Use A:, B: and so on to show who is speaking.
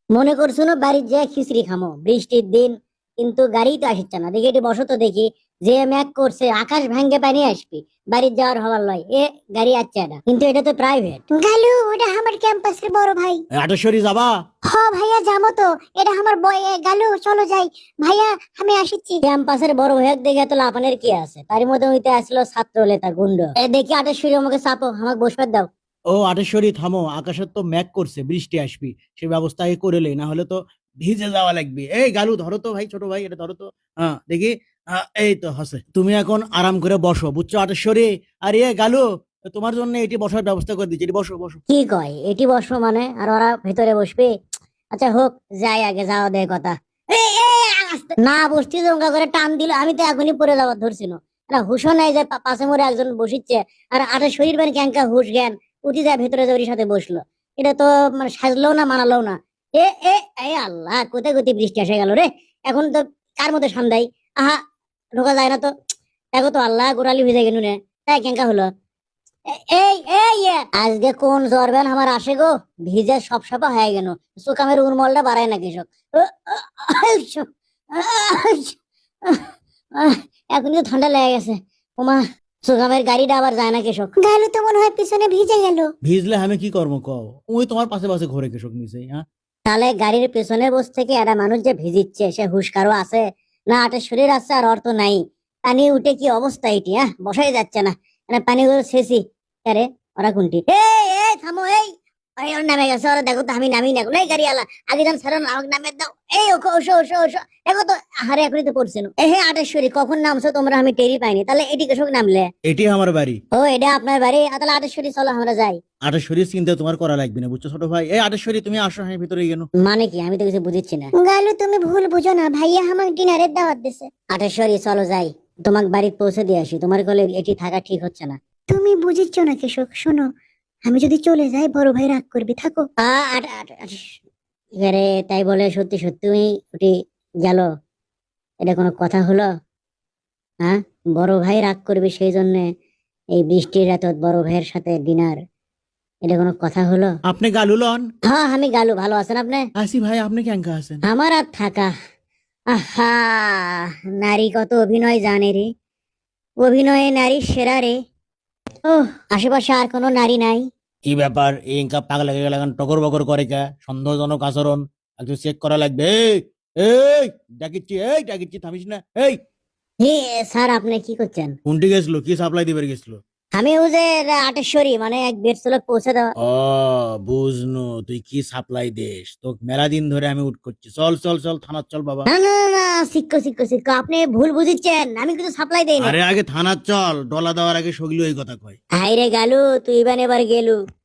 A: মনে করছো না বাড়ির যে খিচড়ি খামো বৃষ্টির দিন, কিন্তু গাড়ি তো আসছে না। দেখি এটি বসো তো দেখি, যে ম্যাক করছে আকাশ ভাঙ্গে পানি আসবি, বাড়ির যাওয়ার হবার লয় এ গাড়ি আসছে না, কিন্তু এটা তো প্রাইভেট। গালু, ওটা আমার ক্যাম্পাসের বড় ভাই।
B: আটেশ্বরী যাবা?
A: হ ভাইয়া, যাবো তো, এটা আমার বয়। গালু চলো যাই। ভাইয়া আমি আসিচ্ছি। ক্যাম্পাসের বড় ভাইয়াক দেখে তো লাপানের কি আছে, তার মধ্যে হইতে আসলো ছাত্র নেতা গুন্ড। দেখি আটেশ্বরী আমাকে চাপো, আমাকে বসবার দাও।
B: ও আটেশ্বরী থামো, আকাশের তো ম্যাক করছে, বৃষ্টি আসবি, সে ব্যবস্থা আগে করে লেই, না হলে তো ভিজে যাওয়া লাগবে। এই গালু ধরো তো ভাই, ছোট ভাই এটা ধরো তো। হ্যাঁ দেখি। এই তো হসে, তুমি এখন আরাম করে বসো, বুঝছো আটেশ্বরী? আর এ গালু, তোমার জন্য এটি বসার ব্যবস্থা করে দিচ্ছি, এটি বসো বসো।
A: কি কয় এটি বসবো মানে, আর ওরা ভেতরে বসবে? আচ্ছা হোক, যাই আগে, যাও দে কথা। না বসছি জঙ্গা করে টান দিল, আমি তো এখনই পড়ে যাওয়ার ধরছিল। না হুশও নাই যে পাশে মোড়ে একজন বসিচ্ছে, আর আটা শরীর মানে ক্যাঙ্কা হুশ জ্ঞান উঠি যায় ভেতরে যে ওর সাথে বসলো। এটা তো মানে সাজলেও না মানালেও না। এ এ এ আল্লাহ, কোথায় কোথায় বৃষ্টি এসে গেল রে। এখন তো কার মধ্যে সন্ধ্যায়, আহা, ঢোকা যায় না তো। দেখো তো আল্লাহ, গোড়ালি ভিজে গেল রে। তাই ক্যাঙ্কা হলো। এই এই আজকে কোন জরবেন আমার আসে গো, ভিজে সব সাপা হয়ে গেল। সুকামের উর্মলটা বাড়ায় না কৃষক। এখনই তো ঠান্ডা লেগে গেছে। ওমা, সুকামের গাড়িটা আবার যায় না কৃষক। গেল তো মনে হয় পিছনে ভিজে গেল।
B: ভিজলে আমি কি করবো কও? ওই তোমার পাশে পাশে ঘরে কৃষক মিশে। হ্যাঁ
A: তাহলে গাড়ির পেছনে বসে থেকে একটা মানুষ যে ভিজিচ্ছে, সে হুশকারও আছে না? আটের শরীর আছে আর অর্থ নাই। পানি উঠে কি অবস্থা এটি, হ্যাঁ বসাই যাচ্ছে না। মানে পানিগুলো শেষই। আরে ওরা কোনটি? এই এই থামো, এই এই ওর নামে গেছে, ওরা দেখো তো, আমি নামি না এই গাড়ি আলা। আগে যান সারন, আমাকে নামে দাও। এই ওকে, ওসো ওসো ওসো, দেখো তো। হারে এখনই তো পড়ছে না। হে আটেশ্বরী, কখন নামছো তোমরা আমি টেরি পাইনি। তাহলে এটি কৃষক নামলে?
B: এটি আমার বাড়ি।
A: ও এটা আপনার বাড়ি? তাহলে আটেশ্বরী চলো আমরা যাই।
B: আটেশ্বরী চিন্তা তোমার করা লাগবে না, বুঝছো ছোট ভাই? এই আটেশ্বরী তুমি আসো, হ্যাঁ ভিতরে গেল।
A: মানে কি, আমি তো কিছু বুঝিচ্ছি না। গালু তুমি ভুল বুঝো না, ভাইয়া আমাকে ডিনারের দাওয়াত দিছে। আটেশ্বরী চলো যাই, তোমাকে বাড়ি পৌঁছে দিয়ে আসি। তোমার কোলে এটি থাকা ঠিক হচ্ছে না। তুমি বুঝিচ্ছ না কৃষক, শোনো, আমি যদি চলে যাই বড় ভাই রাগ করবি, থাকো। এবারে তাই বলে সত্যি সত্যি উঠি গেল? এটা কোনো কথা হলো? হ্যাঁ, বড় ভাই রাগ করবে সেই জন্য এই বৃষ্টির রাত বড় ভাইয়ের সাথে ডিনার, এটা কোনো কথা হলো?
B: আপনি গালু লন?
A: হ্যাঁ আমি গালু, ভালো আছেন আপনি?
B: আসি ভাই, আপনি কেঙ্কা আছেন?
A: আমার আর থাকা। আহা, নারী কত অভিনয় জানে রে, অভিনয়ে নারী সেরা রে। ও, আশেপাশে আর কোনো নারী নাই?
B: কি ব্যাপার, এই ইনকা পাগলা হয়ে গেলেন, টকর বকর করে কে? সন্দেহজনক আচরণ, একটু চেক করা লাগবে। এই এই ডাকিচ্ছি, এই ডাকিচ্ছি, থামিস না। এই
A: হে স্যার, আপনি কি করছেন?
B: কোনটি গেছিল, কি সাপ্লাই দিবার গেছিল?
A: আমি ওই যে আটেশ্বরী মানে এক বেড চলক পৌঁছে দেওয়া।
B: ও বুঝনু, তুই কি সাপ্লাই দেশ, তো মেলা দিন ধরে আমি উঠ করছি। চল চল চল, থানার চল বাবা।
A: না না না না, শিক্ষো শিক্ষো শিক্ষো, আপনি ভুল বুঝিচ্ছেন, আমি কিছু সাপ্লাই দেই না।
B: আরে আগে থানার চল, ডলা দেওয়ার আগে সগলি ওই কথা কয়।
A: হাই রে গালু, তুই এবার গেলু।